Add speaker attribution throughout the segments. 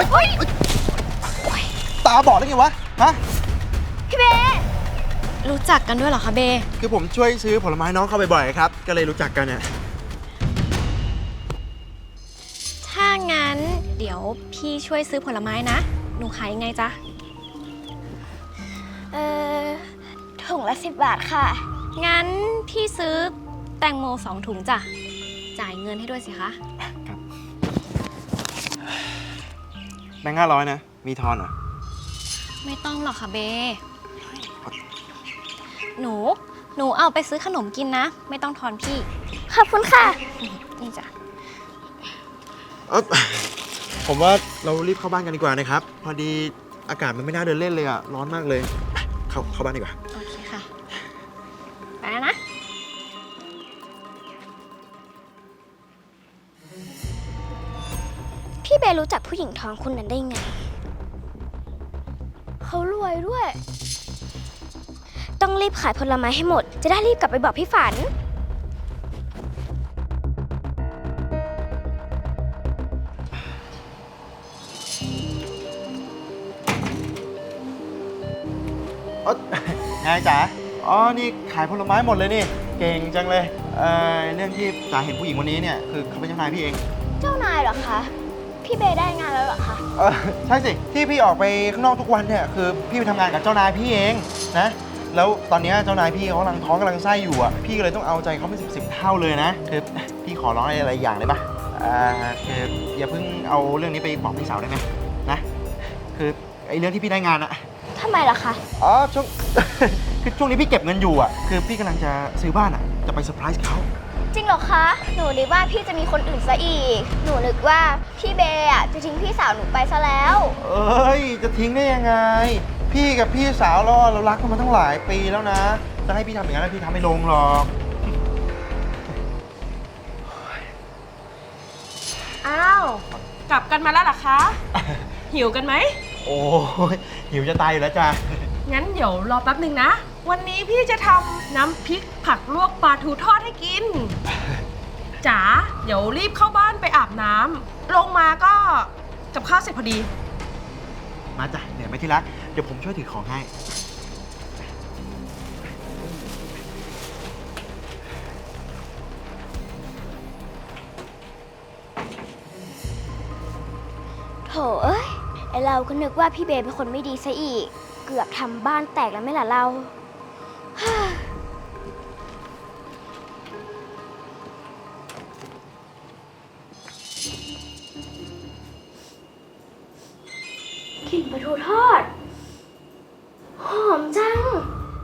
Speaker 1: ตาบอดได้ไงวะฮะ
Speaker 2: พี่เบรู้จักกันด้วยเหรอคะเบ
Speaker 1: คือผมช่วยซื้อผลไม้น้องเข้าบ่อยๆครับก็เลยรู้จักกันเนี่ย
Speaker 2: ถ้างั้นเดี๋ยวพี่ช่วยซื้อผลไม้นะหนูขายยังไงจ๊ะ
Speaker 3: ถุงละ10 บาทค่ะ
Speaker 2: งั้นพี่ซื้อแตงโม2 ถุงจ้ะจ่ายเงินให้ด้วยสิคะ
Speaker 1: ครับแบงค์500นะมีทอนเหรอ
Speaker 2: ไม่ต้องหรอกค่ะเบหนูเอาไปซื้อขนมกินนะไม่ต้องทอนพี่
Speaker 3: ขอบคุณค่ะ
Speaker 2: นี่จ้ะ
Speaker 1: ผมว่าเรารีบเข้าบ้านกันดีกว่านะครับพอดีอากาศมันไม่น่าเดินเล่นเลยอ่ะร้อนมากเลยเข้าบ้านดีกว่า
Speaker 2: โอเคค่ะไปแล้วนะ
Speaker 3: พี่เบรู้จักผู้หญิงท้องคนนั้นได้ไงเขารวยด้วยต้องรีบขายผลไม้ให้หมดจะได้รีบกลับไปบอกพี่ฝัน
Speaker 1: ไงจ๋าอ๋อนี่ขายผลไม้หมดเลยนี่เก่งจังเลยเรื่องที่จ๋าเห็นผู้หญิงคนนี้เนี่ยคือเขาเป็นเจ้านายพี่เอง
Speaker 3: เจ้านายเหรอคะพี่เบได้งานแล้วเหรอคะ
Speaker 1: ใช่สิที่พี่ออกไปข้างนอกทุกวันเนี่ยคือพี่ไปทำงานกับเจ้านายพี่เองนะแล้วตอนนี้เจ้านายพี่เขากำลังท้องกำลังไส้อยู่อ่ะพี่ก็เลยต้องเอาใจเขาเป็น10 เท่าเลยนะคือพี่ขอร้องอะไรอย่างได้ปะคืออย่าเพิ่งเอาเรื่องนี้ไปบอกพี่สาวได้ไหมนะคือไอ้เรื่องที่พี่ได้งานอะ
Speaker 3: ทำไมล่ะคะ
Speaker 1: อ๋อช่วง คือช่วงนี้พี่เก็บเงินอยู่อ่ะคือพี่กำลังจะซื้อบ้านอ่ะจะไปเซอร์ไพรส์เขา
Speaker 3: จริงเหรอคะหนูนึกว่าพี่จะมีคนอื่นซะอีกหนูนึกว่าพี่เบอะจะทิ้งพี่สาวหนูไปซะแล้ว
Speaker 1: เอ้ยจะทิ้งได้ยังไงพี่กับพี่สาวเรารักกันมาตั้งหลายปีแล้วนะจะให้พี่ทำอย่างนั้นพี่ทำไม่ลงหรอก
Speaker 4: อ้าวกลับกันมาแล้วเหรอคะ หิวกันไหม
Speaker 1: โอ้ยหิวจะตายอยู่แล้วจ้ะ
Speaker 4: งั้นเดี๋ยวรอแป๊บหนึ่งนะวันนี้พี่จะทำน้ำพริกผักลวกปลาทูทอดให้กินจ๋าเดี๋ยวรีบเข้าบ้านไปอาบน้ำลงมาก็กับข้าวเสร็จพอดี
Speaker 1: มาจ้ะเหนื่อยไหมที่รักเดี๋ยวผมช่วยถือของให้
Speaker 3: โถเอ้ยไอเราก็นึกว่าพี่เบเป็นคนไม่ดีซะอีกเกือบทำบ้านแตกแล้วไม่ล่ะเรากลิ่นปลาทูทอดหอมจัง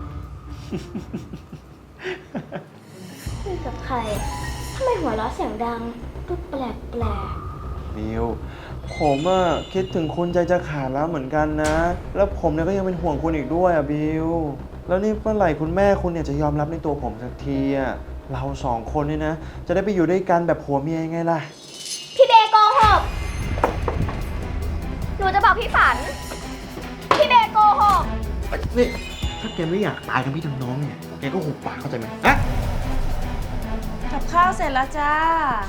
Speaker 3: คุยกับใครทำไมหัวเราะเสียงดังก็แปลก
Speaker 1: บิวผมอะคิดถึงคุณใจจะขาดแล้วเหมือนกันนะแล้วผมเนี่ยก็ยังเป็นห่วงคุณอีกด้วยอะบิวแล้วนี่เมื่อไหร่คุณแม่คุณเนี่ยจะยอมรับในตัวผมสักทีอะเรา2 คนเนี่ยนะจะได้ไปอยู่ด้วยกันแบบผัวเมียยังไงล่ะ
Speaker 3: พี่เบโกหกหนูจะบอกพี่ฝันพี่เบโกหก
Speaker 1: นี่ถ้าแกไม่อยากตายทั้งพี่ทั้งน้องเนี่ยแกก็หุบปากเข้าใจไหมฮะ
Speaker 4: กับข้าวเสร็จแล้วจ้า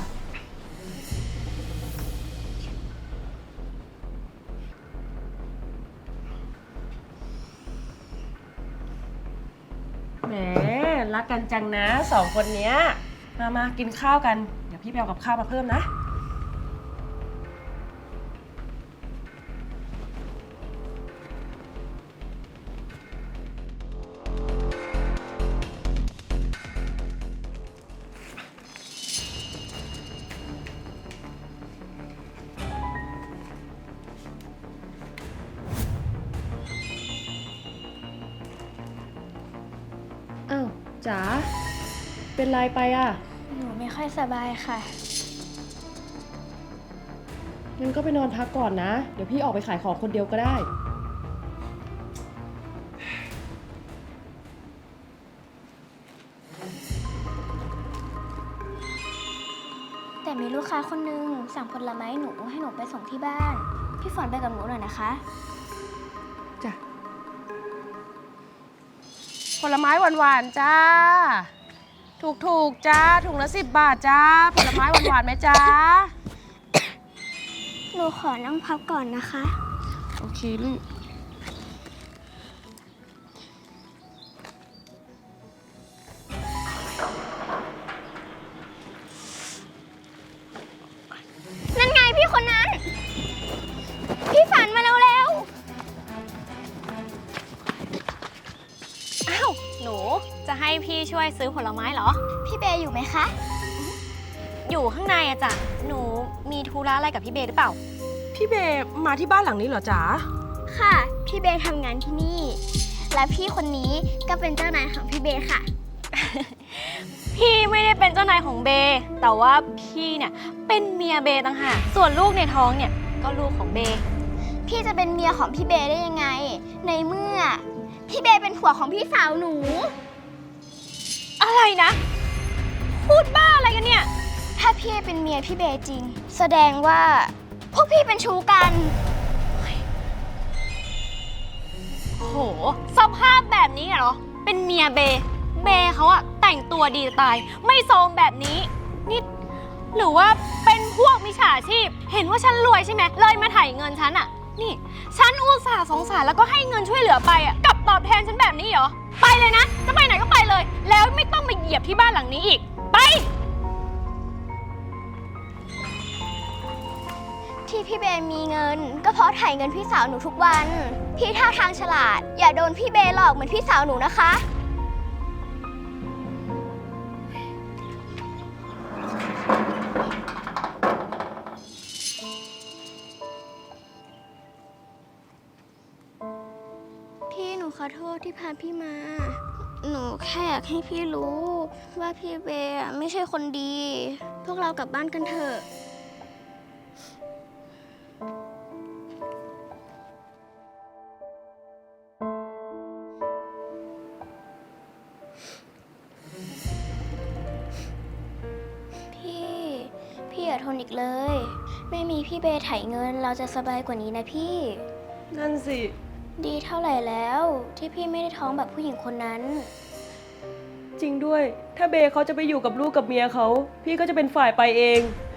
Speaker 4: แหมรักกันจังนะ2 คนเนี้ยมากินข้าวกันเดี๋ยวพี่ไปเอากับข้าวมาเพิ่มนะอ้าวจ๋าเป็นไรไปอ่ะ
Speaker 3: หนูไม่ค่อยสบายค่ะ
Speaker 4: งั้นก็ไปนอนพักก่อนนะเดี๋ยวพี่ออกไปขายของคนเดียวก็ได้
Speaker 3: แต่มีลูกค้าคนนึงสั่งผลไม้หนูให้หนูไปส่งที่บ้านพี่ฝนไปกับหนูหน่อยนะคะ
Speaker 4: จ้ะผลไม้หวานๆจ้าถูกจ้าถุงละ10 บาทจ้าผลไม้หวานๆไหมจ้า
Speaker 3: หหนูขอนั่งพักก่อนนะคะ
Speaker 4: โอเคลูก
Speaker 3: นั่นไงพี่คนนั้น พี่ฝันมาเร็ว
Speaker 2: อ้าว หนูจะให้พี่ช่วยซื้อผลไม้เหรอ
Speaker 3: ๆพี่เบย์อยู่ไหมคะ
Speaker 2: อยู่ข้างในอะจ้ะ หนูมีธุระอะไรกับพี่เบย์หรือเปล่า
Speaker 4: พี่เบย์มาที่บ้านหลังนี้เหรอจ๋า
Speaker 3: ค่ะ พี่เบย์ทำงานที่นี่ และพี่คนนี้ก็เป็นเจ้านายของพี่เบย์ค่ะ
Speaker 2: พี่ไม่ได้เป็นเจ้านายของเบย์แต่ว่าพี่เนี่ยเป็นเมียเบย์ต่างหาก ส่วนลูกในท้องเนี่ยก็ลูกของเบย์
Speaker 3: พี่จะเป็นเมียของพี่เบย์ได้ยังไง ในเมื่อ พี่เบย์เป็นผัวของพี่สาวหนู
Speaker 2: อะไรนะ พูดบ้าอะไรกันเนี่ย
Speaker 3: ถ้าพี่เป็นเมียพี่เบย์จริง แสดงว่าพวกพี่เป็นชู้กัน
Speaker 2: โห สภาพแบบนี้เหรอ เป็นเมียเบย์เบย์เขาอะแต่งตัวดีจะตาย ไม่โซมแบบนี้นี่หรือว่าเป็นพวกมิจฉาชีพ เห็นว่าฉันรวยใช่ไหมเลยมาถ่ายเงินฉันอะนี่ ฉันอุตส่าห์สงสารแล้วก็ให้เงินช่วยเหลือไปอะกลับตอบแทนฉันแบบนี้เหรอ ไปเลยนะ จะไปไหนก็ไปเลย แล้วไม่ต้องมาเหยียบที่บ้านหลังนี้อีก ไป
Speaker 3: ที่พี่เบย์มีเงิน ก็เพราะถ่ายเงินพี่สาวหนูทุกวัน พี่ท่าทางฉลาด อย่าโดนพี่เบย์หลอกเหมือนพี่สาวหนูนะคะ พี่หนูขอโทษที่พาพี่มา หนูแค่อยากให้พี่รู้ ว่าพี่เบย์อะไม่ใช่คนดี พวกเรากลับบ้านกันเถอะ พี่อย่าทนอีกเลย ไม่มีพี่เบย์ไถเงินเราจะสบายกว่านี้นะพี่
Speaker 4: นั่นสิ
Speaker 3: ดีเท่าไหร่แล้วที่พี่ไม่ได้ท้องแบบผู้หญิงคนนั้น
Speaker 4: จริงด้วย ถ้าเบย์เขาจะไปอยู่กับลูกกับเมียเขา พี่ก็จะเป็นฝ่ายไปเอง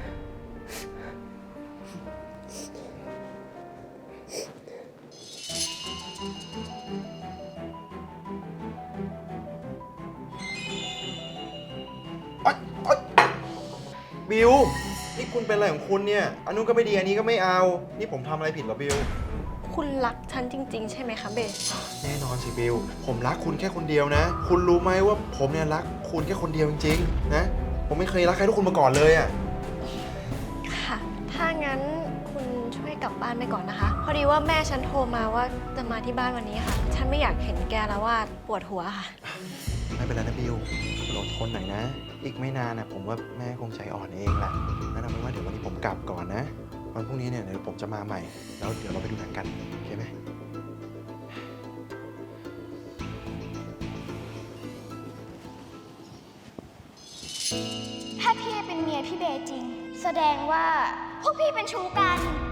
Speaker 1: บิว นี่คุณเป็นอะไรของคุณเนี่ย อันนู้นก็ไม่ดี อันนี้ก็ไม่เอา นี่ผมทำอะไรผิดเหรอบิว
Speaker 2: คุณรักฉันจริง ๆ ใช่ไหมคะเบย์
Speaker 1: แน่นอนสิบิว ผมรักคุณแค่คนเดียวนะ คุณรู้ไหมว่าผมเนี่ยรักคุณแค่คนเดียวจริงๆ นะ ผมไม่เคยรักใครทุกคนมาก่อนเลยอ่ะ
Speaker 2: ค่ะ ถ้างั้นคุณช่วยกลับบ้านไปก่อนนะคะ พอดีว่าแม่ฉันโทรมาว่าจะมาที่บ้านวันนี้ค่ะ ฉันไม่อยากเห็นแกแล้วว่าปวดหัวค่ะ
Speaker 1: ไม่เป็นไรนะบิวคุณอดทนหน่อยนะ อีกไม่นานนะผมว่าแม่คงใจอ่อนเองแหละนั่นเอาเป็นว่าเดี๋ยววันนี้ผมกลับก่อนนะ วันพรุ่งนี้เนี่ยเดี๋ยวผมจะมาใหม่ แล้วเดี๋ยวเราไปดูหนังกัน โอเคไหม
Speaker 3: ถ้าพี่เป็นเมียพี่เบย์จริง แสดงว่าพวกพี่เป็นชู้กัน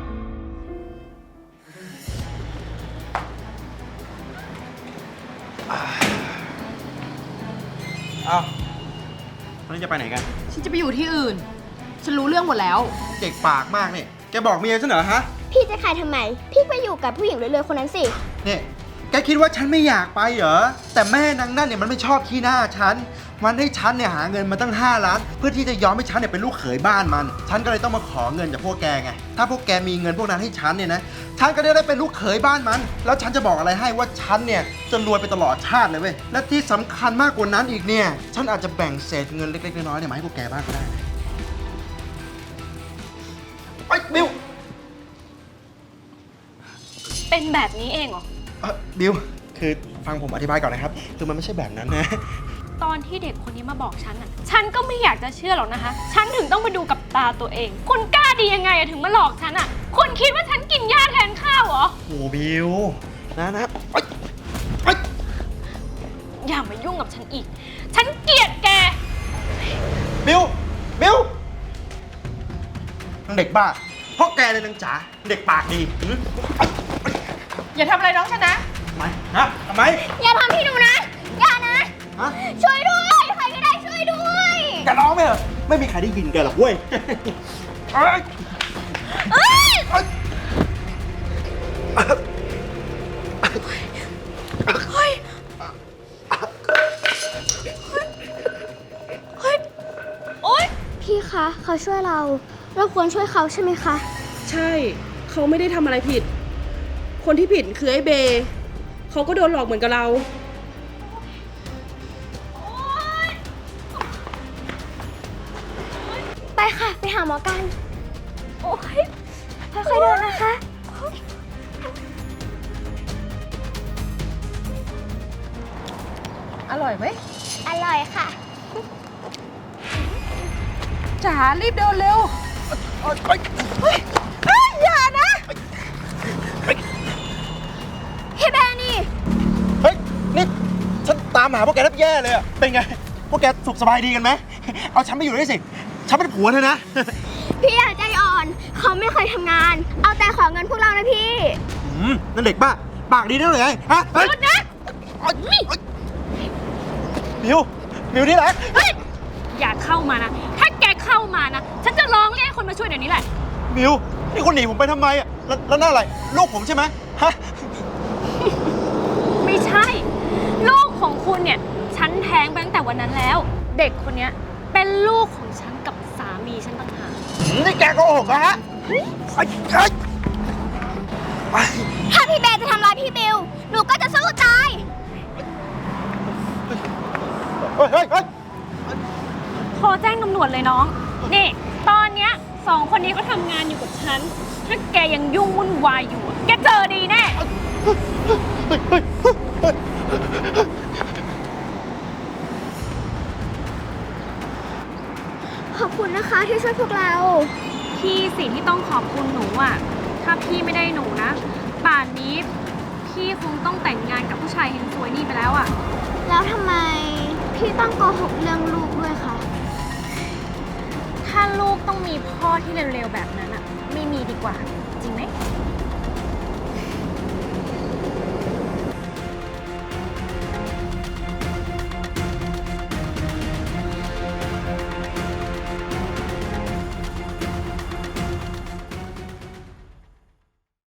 Speaker 1: อ้าววันนี้จะไปไหนกัน
Speaker 4: ฉันจะไปอยู่ที่อื่น ฉันรู้เรื่องหมดแล้ว
Speaker 1: เด็กปากมากเนี่ย แกบอกเมียฉันเหรอฮะ
Speaker 3: พี่จะขายทำไม พี่ไปอยู่กับผู้หญิงรวยๆคนนั้นสิ
Speaker 1: เนี่ยแกคิดว่าฉันไม่อยากไปเหรอ แต่แม่นางนั่นเนี่ยมันไม่ชอบขี้หน้าฉัน มันให้ฉันเนี่ยหาเงินมาตั้ง5 ล้าน เพื่อที่จะยอมให้ฉันเนี่ยเป็นลูกเขยบ้านมัน ฉันก็เลยต้องมาขอเงินจากพวกแกไง ถ้าพวกแกมีเงินพวกนั้นให้ฉันเนี่ยนะ ฉันก็ได้เป็นลูกเขยบ้านมัน แล้วฉันจะบอกอะไรให้ว่าฉันเนี่ยจะรวยไปตลอดชาติเลยเว้ย และที่สำคัญมากกว่านั้นอีกเนี่ย ฉันอาจจะแบ่งเศษเงินเล็กๆน้อยๆเนี่ยมาให้พวกแกบ้างก็ได้ไอ้ยบิว
Speaker 2: เป็นแบบนี้เองเหรอ
Speaker 1: บิว คือฟังผมอธิบายก่อนนะครับ คือมันไม่ใช่แบบนั้นนะ
Speaker 2: ตอนที่เด็กคนนี้มาบอกฉันอ่ะ ฉันก็ไม่อยากจะเชื่อหรอกนะคะ ฉันถึงต้องมาดูกับตาตัวเอง คุณกล้าดียังไงอะถึงมาหลอกฉันอ่ะ คุณคิดว่าฉันกินหญ้าแทนข้าวเหรอ
Speaker 1: โอ้บิว นะไอ้ไอ้
Speaker 2: อย่ามายุ่งกับฉันอีก ฉันเกลียดแก
Speaker 1: บิว บิวนางเด็กบ้าเพราะแกเลยนางจ๋า เด็กปากดีหือ
Speaker 4: อย่าทำอะไรน้องฉันนะ
Speaker 1: ทำไมนะทำไม
Speaker 3: อย่าทำพี่หนูนะ อย่านะ
Speaker 1: ฮะ
Speaker 3: ช่วยด้วย ใครก็ได้ช่วยด้วย
Speaker 1: แกร้องไหมเหรอ ไม่มีใครได้ยินแกหรอกเว้ยเอ้ย
Speaker 2: เอ้ย เฮ้ย เฮ้ย โอ๊ย
Speaker 3: พี่คะเขาช่วยเราควรช่วยเขาใช่ไหมคะ
Speaker 4: ใช่ เขาไม่ได้ทำอะไรผิด คนที่ผิดคือไอ้เบย์เขาก็โดนหลอกเหมือนกับเรา
Speaker 3: ไปค่ะ ไปหาหมอกัน โอ้ยค่อยๆเดินนะคะ
Speaker 4: อร่อยไหม
Speaker 3: อร่อยค่ะ
Speaker 4: จ๋ารีบเดินเร็ว
Speaker 3: อย่านะ พี่แบร์นี่
Speaker 1: เฮ้ย นี่ฉันตามหาพวกแกแทบแย่เลยอะเป็นไง พวกแกสุขสบายดีกันไหม เอาฉันไปอยู่ด้วยสิ ฉันเป็นผัวเธอนะ
Speaker 3: พี่อย่าใจอ่อน เขาไม่เคยทำงาน เอาแต่ขอเงินพวกเรานะพี่
Speaker 1: นั่นเด็กบ้า ปากดีนั่นเลยไงฮะ
Speaker 2: หยุดนะ
Speaker 1: มิวนี่แหละ
Speaker 2: เฮ้ย อย่าเข้ามานะ ถ้าแกเข้ามานะ ฉันจะร้องเรียกให้คนมาช่วยเดี๋ยวนี้แหละ
Speaker 1: มิวนี่คุณหนีผมไปทำไมอะแล้วนั่นอะไร ลูกผมใช่ไหมฮะ
Speaker 2: ไม่ใช่ ลูกของคุณเนี่ย ฉันแท้งไปตั้งแต่วันนั้นแล้ว เด็กคนเนี้ยเป็นลูกของฉันกับสามีฉันต่างหาก
Speaker 1: นี่แกโกหกนะฮะไอ้
Speaker 3: ถ้าพี่เบย์จะทำร้ายพี่บิว หนูก็จะสู้ตาย
Speaker 1: เฮ้ย
Speaker 2: โทรแจ้งตำรวจเลยน้อง นี่ ตอนเนี้ยสองคนนี้ก็ทำงานอยู่กับฉัน ถ้าแกยังยุ่งวุ่นวายอยู่อะแกเจอดีแน่
Speaker 3: ขอบคุณนะคะที่ช่วยพวกเรา
Speaker 2: พี่สิที่ต้องขอบคุณหนูอ่ะ ถ้าพี่ไม่ได้หนูนะ ป่านนี้พี่คงต้องแต่งงานกับผู้ชายเฮงซวยนี่ไปแล้วอ่ะ
Speaker 3: แล้วทำไมพี่ต้องโกหกเรื่องลูกด้วยคะ
Speaker 2: ถ้าลูกต้องมีพ่อที่เร็วๆแบบนั้นอ่ะ ไม่มีดีกว่า